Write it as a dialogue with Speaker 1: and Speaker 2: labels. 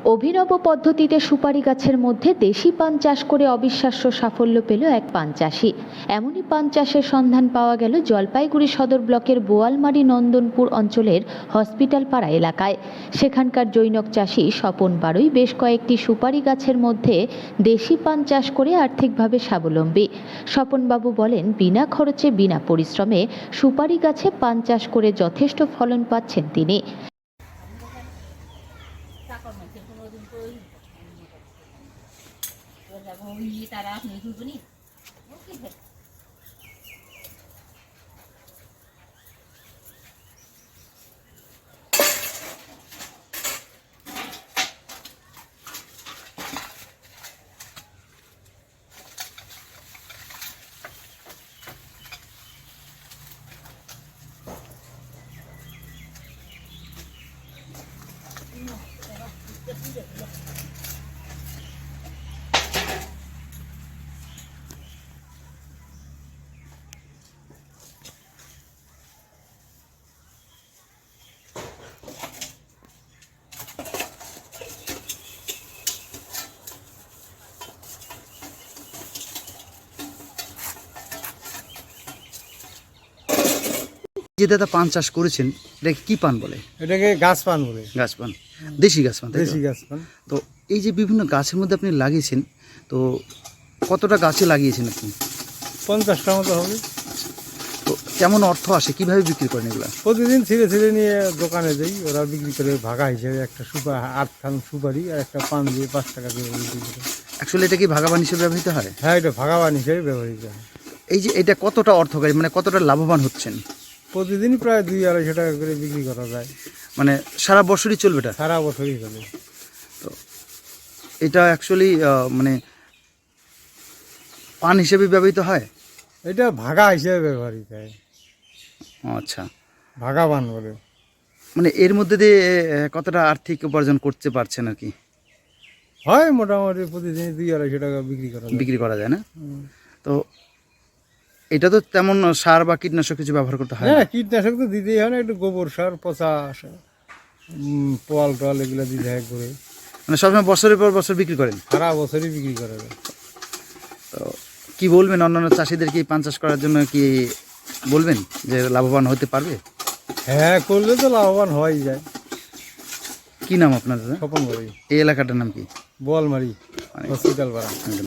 Speaker 1: অভিনব পদ্ধতিতে সুপারি গাছের মধ্যে দেশি পান চাষ করে অবিশ্বাস্য সাফল্য পেল এক পান চাষি। এমনই পান চাষের সন্ধান পাওয়া গেল জলপাইগুড়ি সদর ব্লকের বোয়ালমারি নন্দনপুর অঞ্চলের হসপিটাল পাড়া এলাকায়। সেখানকার জৈনক চাষি স্বপন বাড়ুই বেশ কয়েকটি সুপারি গাছের মধ্যে দেশি পান চাষ করে আর্থিকভাবে স্বাবলম্বী। স্বপনবাবু বলেন, বিনা খরচে বিনা পরিশ্রমে সুপারি গাছে পান চাষ করে যথেষ্ট ফলন পাচ্ছেন তিনি।
Speaker 2: যে দাদা পান চাষ করেছেন, এটাকে কি পান বলে?
Speaker 3: এটাকে গাছ পান বলে।
Speaker 2: গাছ পান, দেশি গাছ পান, তাই তো?
Speaker 3: দেশি গাছ পান।
Speaker 2: তো এই যে বিভিন্ন গাছের মধ্যে আপনি লাগিয়েছেন, তো কতটা গাছে লাগিয়েছেন আপনি?
Speaker 3: 50টা মতো হবে।
Speaker 2: তো কেমন অর্থ আসে, কিভাবে বিক্রি করেন এগুলা?
Speaker 3: প্রতিদিন ছিঁড়ে ছিঁড়ে নিয়ে দোকানে যাই, ওরা বিক্রি করে ভাগা হিসেবে একটা সুপারি 8 সুপারি আর একটা পান দিয়ে 5 টাকা করে বিক্রি করে।
Speaker 2: অ্যাকচুয়ালি এটা কি ভাগাবান হিসেবে ব্যবহৃত হয়?
Speaker 3: হ্যাঁ, এটা ভাগাবান হিসেবে ব্যবহৃত হয়।
Speaker 2: এই যে এটা কতটা অর্থকারী, মানে কতটা লাভবান হচ্ছেন?
Speaker 3: প্রতিদিনই প্রায় 2-250 টাকা করে বিক্রি করা যায়।
Speaker 2: মানে সারা বছরই চলবে এটা?
Speaker 3: সারা বছরই চলে।
Speaker 2: তো এটা অ্যাকচুয়ালি মানে পান হিসেবে ব্যবহৃত হয়?
Speaker 3: এটা ভাগা হিসেবে ব্যবহৃত হয়।
Speaker 2: আচ্ছা,
Speaker 3: ভাগাবান বলে।
Speaker 2: মানে এর মধ্যে দিয়ে কতটা আর্থিক উপার্জন করতে পারছেন আর কি?
Speaker 3: হয় মোটামুটি প্রতিদিন 2-250 টাকা বিক্রি করা যায়।
Speaker 2: বিক্রি করা যায় না? তো এটা তো তেমন সার বা কীটনাশক কিছু ব্যবহার করতে হয় না?
Speaker 3: হ্যাঁ, কীটনাশক তো দিতেই হয় না, একটু গোবর সার, পচা সার, পোয়াল টোয়াল এগুলো দিতে হয় করে।
Speaker 2: মানে সবসময় বছরের পর বছর বিক্রি করেন?
Speaker 3: সারা বছরই বিক্রি করা যায়।
Speaker 2: তো কি বলবেন অন্যান্য চাষিদেরকে পান চাষ করার জন্য, কি বলবেন যে লাভবান হতে পারবে?
Speaker 3: হ্যাঁ, করলে তো লাভবান হওয়াই যায়।
Speaker 2: কি নাম আপনার দাদা?
Speaker 3: স্বপন বাড়ি,
Speaker 2: এই এলাকাটার নাম কি?
Speaker 3: বোয়ালমারি হসপিটাল পাড়া।